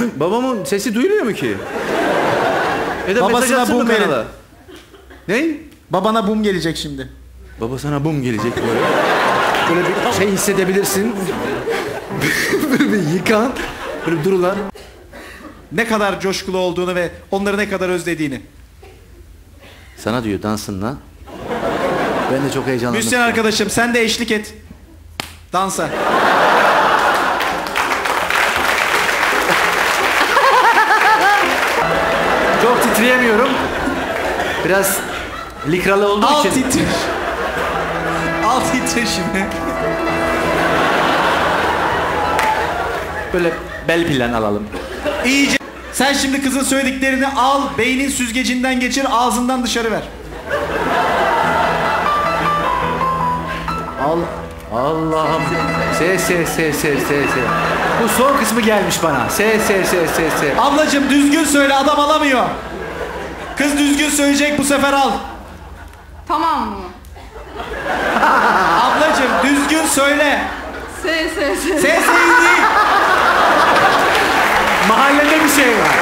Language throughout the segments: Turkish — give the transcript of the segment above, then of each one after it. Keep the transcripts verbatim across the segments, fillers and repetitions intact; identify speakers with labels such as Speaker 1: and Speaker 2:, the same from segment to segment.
Speaker 1: Babamın sesi duyuluyor mu ki? Ya da mesaj
Speaker 2: Babasına
Speaker 1: atsın mı
Speaker 2: bum verin.
Speaker 1: kanala? Ne?
Speaker 2: Babana bum gelecek şimdi.
Speaker 1: Baba sana bum gelecek böyle. Böyle bir şey hissedebilirsin. Böyle bir yıkan. Böyle bir durular.
Speaker 2: Ne kadar coşkulu olduğunu ve onları ne kadar özlediğini.
Speaker 1: Sana diyor dansınla. Ben de çok heyecanlandım.
Speaker 2: Müslüman arkadaşım sen de eşlik et. Dansa.
Speaker 1: Çok titreyemiyorum. Biraz likralı olduğu
Speaker 2: Al
Speaker 1: için.
Speaker 2: titre. Al titre şimdi.
Speaker 1: Böyle bel plan alalım.
Speaker 2: İyice. Sen şimdi kızın söylediklerini al, beynin süzgecinden geçir, ağzından dışarı ver.
Speaker 1: Al. Allah'ım. Se se se se se se. Bu son kısmı gelmiş bana. Se se se se se.
Speaker 2: Ablacığım düzgün söyle, adam alamıyor. Kız düzgün söyleyecek, bu sefer al.
Speaker 3: Tamam mı?
Speaker 2: Ablacığım düzgün söyle.
Speaker 3: Se se se.
Speaker 2: Se se değil.
Speaker 1: Mahallede bir şey var.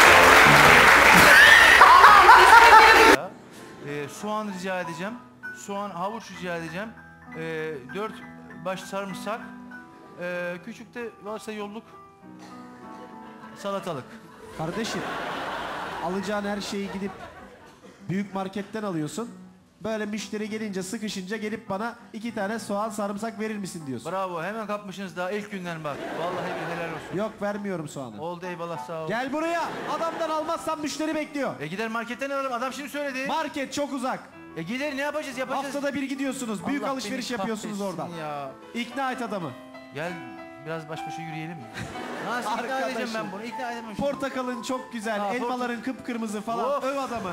Speaker 4: Ee, soğan rica edeceğim. Soğan, havuç rica edeceğim. Ee, dört baş sarımsak. Ee, küçük de varsa yolluk. Salatalık.
Speaker 2: Kardeşim, alacağın her şeyi gidip büyük marketten alıyorsun. Böyle müşteri gelince, sıkışınca gelip bana iki tane soğan, sarımsak verir misin diyorsun.
Speaker 4: Bravo, hemen kapmışsınız daha ilk günden bak. Vallahi bir helal olsun.
Speaker 2: Yok, vermiyorum soğanı.
Speaker 4: Oldu, eyvallah, sağ ol.
Speaker 2: Gel buraya. Adamdan almazsan müşteri bekliyor.
Speaker 4: E gider marketten alırım, adam şimdi söyledi.
Speaker 2: Market çok uzak.
Speaker 4: E gider, ne yapacağız, yapacağız.
Speaker 2: Haftada bir gidiyorsunuz. Büyük
Speaker 4: Allah
Speaker 2: alışveriş
Speaker 4: beni
Speaker 2: yapıyorsunuz
Speaker 4: kahretsin
Speaker 2: oradan.
Speaker 4: Ya.
Speaker 2: İkna et adamı.
Speaker 4: Gel biraz baş başa yürüyelim mi? Nasıl ikna
Speaker 2: Arkadaşım.
Speaker 4: edeceğim ben bunu? İkna edemem şimdi.
Speaker 2: Portakalın çok güzel,
Speaker 4: Ha,
Speaker 2: elmaların kıpkırmızı falan.
Speaker 4: Of.
Speaker 2: Öv adamı.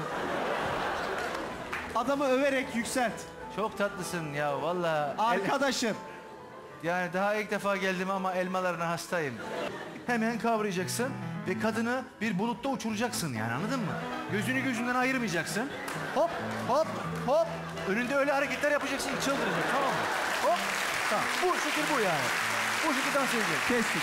Speaker 2: Adamı överek yükselt.
Speaker 4: Çok tatlısın ya vallahi. El-
Speaker 2: Arkadaşım.
Speaker 4: Yani daha ilk defa geldim ama elmalarına hastayım. Hemen kavrayacaksın ve kadını bir bulutta uçuracaksın yani, anladın mı? Gözünü gözünden ayırmayacaksın. Hop hop hop. Önünde öyle hareketler yapacaksın, çıldıracak, tamam mı? Hop. Tamam. Bu şekil bu yani. Bu şekilde dans edecek.
Speaker 2: Kestik.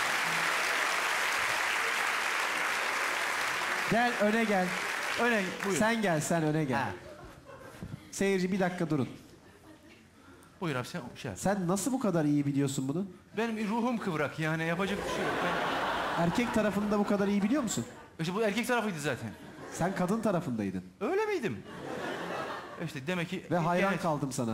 Speaker 2: Gel öne gel.
Speaker 4: Öne buyur.
Speaker 2: Sen gel, sen öne gel.
Speaker 4: Ha.
Speaker 2: Seyirci bir dakika durun.
Speaker 4: Buyur abi, sen şey yap.
Speaker 2: Sen nasıl bu kadar iyi biliyorsun bunu?
Speaker 4: Benim ruhum kıvrak yani, yapacak bir şey yok. Ben...
Speaker 2: Erkek tarafında bu kadar iyi biliyor musun?
Speaker 4: İşte bu erkek tarafıydı zaten.
Speaker 2: Sen kadın tarafındaydın.
Speaker 4: Öyle miydim? İşte demek ki...
Speaker 2: Ve hayran
Speaker 4: Evet.
Speaker 2: kaldım sana.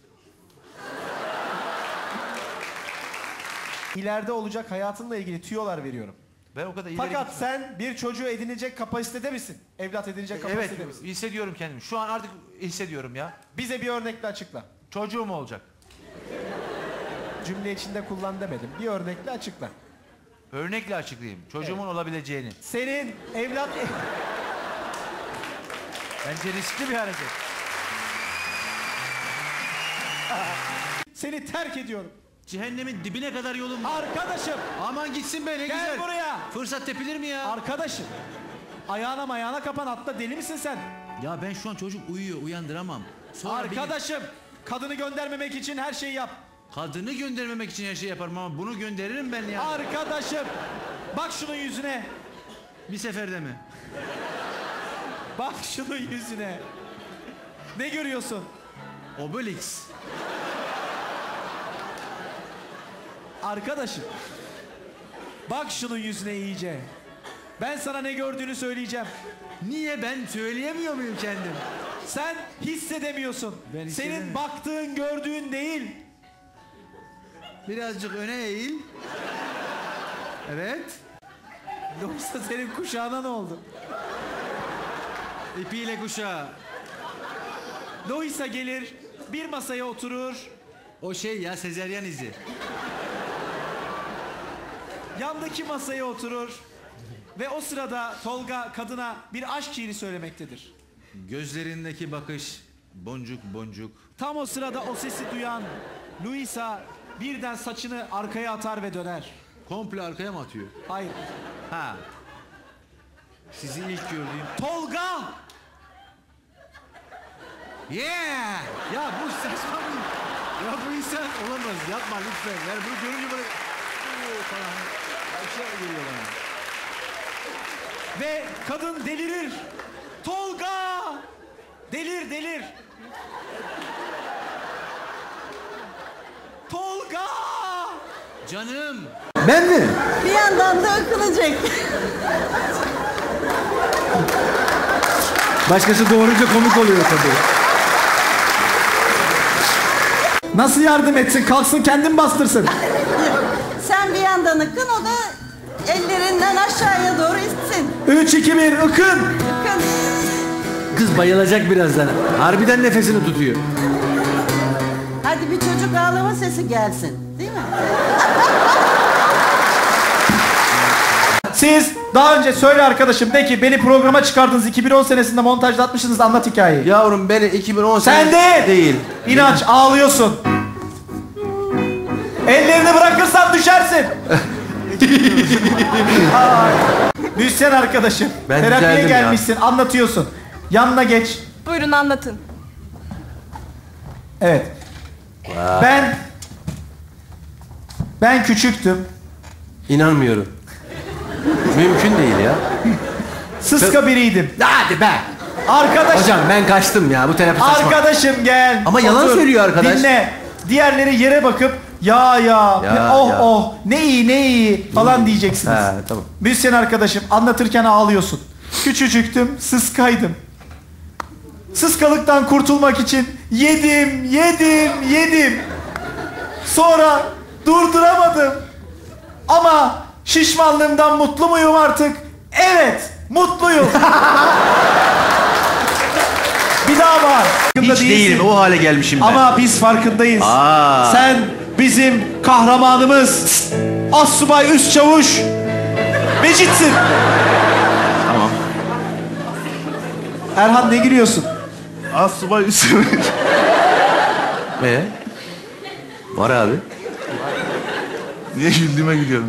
Speaker 2: İleride olacak hayatınla ilgili tüyolar veriyorum.
Speaker 4: Ben o kadar ileri
Speaker 2: Fakat
Speaker 4: gittim.
Speaker 2: sen bir çocuğu edinecek kapasitede misin? Evlat edinecek kapasitede
Speaker 4: Evet,
Speaker 2: misin?
Speaker 4: hissediyorum kendimi. Şu an artık hissediyorum ya.
Speaker 2: Bize bir örnekle açıkla.
Speaker 4: Çocuğum olacak.
Speaker 2: Cümle içinde kullan demedim. Bir örnekle açıkla.
Speaker 4: Örnekle açıklayayım. Çocuğumun
Speaker 2: Evet.
Speaker 4: olabileceğini.
Speaker 2: Senin evlat...
Speaker 4: Bence riskli bir hareket.
Speaker 2: Seni terk ediyorum.
Speaker 4: Cehennemin dibine kadar yolum var.
Speaker 2: Arkadaşım.
Speaker 4: Aman gitsin be, ne
Speaker 2: Gel
Speaker 4: güzel.
Speaker 2: buraya.
Speaker 4: Fırsat tepilir mi ya?
Speaker 2: Arkadaşım. Ayağına mayağına kapan, atla, deli misin sen?
Speaker 4: Ya ben şu an çocuk uyuyor, uyandıramam. Sonra
Speaker 2: Arkadaşım. Kadını göndermemek için her şeyi yap.
Speaker 4: bir- kadını göndermemek için her şey yaparım ama bunu gönderirim ben ya.
Speaker 2: Arkadaşım. Bak şunun yüzüne.
Speaker 4: Bir seferde mi?
Speaker 2: Bak şunun yüzüne. Ne görüyorsun?
Speaker 4: Obelix.
Speaker 2: Arkadaşım. Bak şunun yüzüne iyice. Ben sana ne gördüğünü söyleyeceğim.
Speaker 4: Niye, ben söyleyemiyor muyum kendim?
Speaker 2: Sen hissedemiyorsun.
Speaker 4: Ben
Speaker 2: Senin
Speaker 4: hissedemiyorum.
Speaker 2: baktığın, gördüğün değil.
Speaker 4: Birazcık öne eğil. Evet.
Speaker 2: Yoksa senin kuşağına ne oldu?
Speaker 4: İpiyle kuşağı.
Speaker 2: Loisa gelir, bir masaya oturur.
Speaker 4: O şey ya, sezeryan izi.
Speaker 2: Yandaki masaya oturur. Ve o sırada Tolga kadına bir aşk şiiri söylemektedir.
Speaker 4: Gözlerindeki bakış boncuk boncuk.
Speaker 2: Tam o sırada o sesi duyan Luisa birden saçını arkaya atar ve döner.
Speaker 4: Komple arkaya mı atıyor?
Speaker 2: Hayır.
Speaker 4: Ha. Sizi ilk gördüğüm...
Speaker 2: Tolga!
Speaker 4: Yeah! Ya bu saçma bir... Ya bu insan olamaz. Yapma lütfen. Yani bunu görünce böyle... Oo falan. Bir şey geliyor bana.
Speaker 2: Ve kadın delirir. Tolga! Delir delir. Tolga!
Speaker 4: Canım.
Speaker 1: Ben mi?
Speaker 5: Bir yandan da akılacak.
Speaker 1: Başkası doğurunca komik oluyor tabii.
Speaker 2: Nasıl yardım etsin? Kalksın kendin bastırsın.
Speaker 5: Sen bir yandan akın, o da ellerinden aşağıya doğru itsin.
Speaker 2: Üç, iki, bir, ıkın.
Speaker 5: Akın.
Speaker 1: Kız bayılacak birazdan. Harbiden nefesini tutuyor.
Speaker 5: Hadi bir çocuk ağlama sesi gelsin. Değil mi?
Speaker 2: Siz daha önce söyle arkadaşım, de ki beni programa çıkardınız, iki bin on senesinde montajda atmışsınız, anlat hikayeyi.
Speaker 1: Yavrum beni iki bin on
Speaker 2: Sen de
Speaker 1: değil.
Speaker 2: İnanç, ağlıyorsun. Ellerini bırakırsan düşersin. Ay. Müzisyen arkadaşım.
Speaker 1: Ben
Speaker 2: Terapiye
Speaker 1: düzeldim ya.
Speaker 2: gelmişsin, anlatıyorsun. Yanına geç.
Speaker 3: Buyurun anlatın.
Speaker 2: Evet. Ben ben küçüktüm.
Speaker 1: İnanmıyorum. Mümkün değil ya.
Speaker 2: Sıska biriydim.
Speaker 1: Hadi be.
Speaker 2: Arkadaşım.
Speaker 1: Hocam ben kaçtım ya, bu terapi saçma.
Speaker 2: Arkadaşım gel.
Speaker 1: Ama yalan söylüyor arkadaş.
Speaker 2: Dinle. Diğerleri yere bakıp ya ya,
Speaker 1: Ya,
Speaker 2: oh
Speaker 1: ya.
Speaker 2: oh ne iyi ne iyi falan diyeceksiniz.
Speaker 1: Ha, tamam.
Speaker 2: Müzisyen arkadaşım, anlatırken ağlıyorsun. Küçücüktüm, sıskaydım. Sıskalıktan kurtulmak için yedim, yedim, yedim. Sonra durduramadım. Ama şişmanlığımdan mutlu muyum artık? Evet, mutluyum. Bir daha var.
Speaker 4: Hiç değilim, o hale gelmişim ben.
Speaker 2: Ama biz farkındayız.
Speaker 4: Aa.
Speaker 2: Sen bizim kahramanımız. Assubay Üst Çavuş Mecit'sin.
Speaker 4: Tamam.
Speaker 2: Erhan, ne gülüyorsun?
Speaker 4: Assubay Üst Çavuş.
Speaker 1: Ee? Var abi.
Speaker 4: Niye güldüğüme gülüyorum?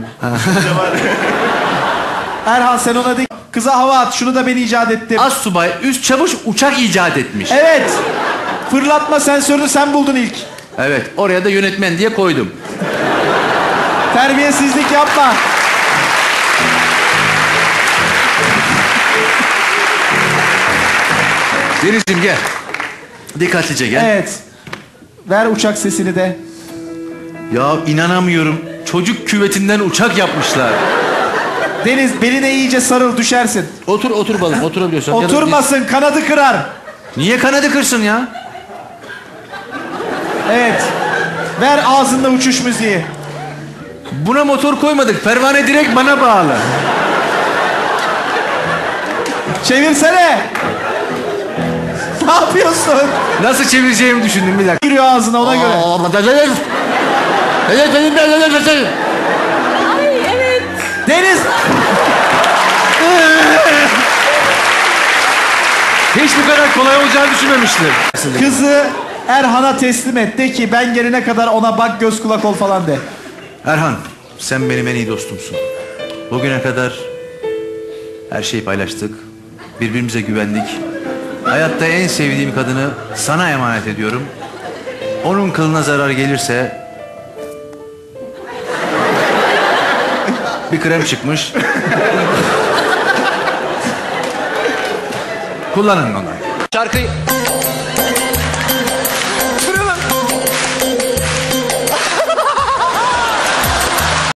Speaker 2: Erhan, sen ona de kıza hava at, şunu da ben icat ettim.
Speaker 4: Assubay Üst Çavuş uçak icat etmiş.
Speaker 2: Evet. Fırlatma sensörünü sen buldun ilk.
Speaker 4: Evet, oraya da yönetmen diye koydum.
Speaker 2: Terbiyesizlik yapma.
Speaker 4: Denizciğim gel. Dikkatlice gel.
Speaker 2: Evet. Ver uçak sesini de.
Speaker 4: Ya inanamıyorum. Çocuk küvetinden uçak yapmışlar.
Speaker 2: Deniz, beline iyice sarıl, düşersin.
Speaker 4: Otur otur balım, oturabiliyorsan. Ya da-
Speaker 2: Oturmasın, kanadı kırar.
Speaker 4: Niye kanadı kırsın ya?
Speaker 2: Evet. Ver ağzında uçuş müziği.
Speaker 4: Buna motor koymadık. Pervane direkt bana bağlı.
Speaker 2: Çevirsene. Ne yapıyorsun?
Speaker 4: Nasıl çevireceğimi düşündüm bir dakika.
Speaker 2: Giriyor ağzına, ona göre.
Speaker 3: Ay evet.
Speaker 2: Deniz.
Speaker 4: Hiç bu kadar kolay olacağını düşünmemiştim.
Speaker 2: Kızı Erhan'a teslim et. De ki ben gelene kadar ona bak, göz kulak ol falan de.
Speaker 4: Erhan, sen benim en iyi dostumsun. Bugüne kadar her şeyi paylaştık. Birbirimize güvendik. Hayatta en sevdiğim kadını sana emanet ediyorum. Onun kılına zarar gelirse... Bir krem çıkmış. Kullanın onu.
Speaker 1: Şarkıyı...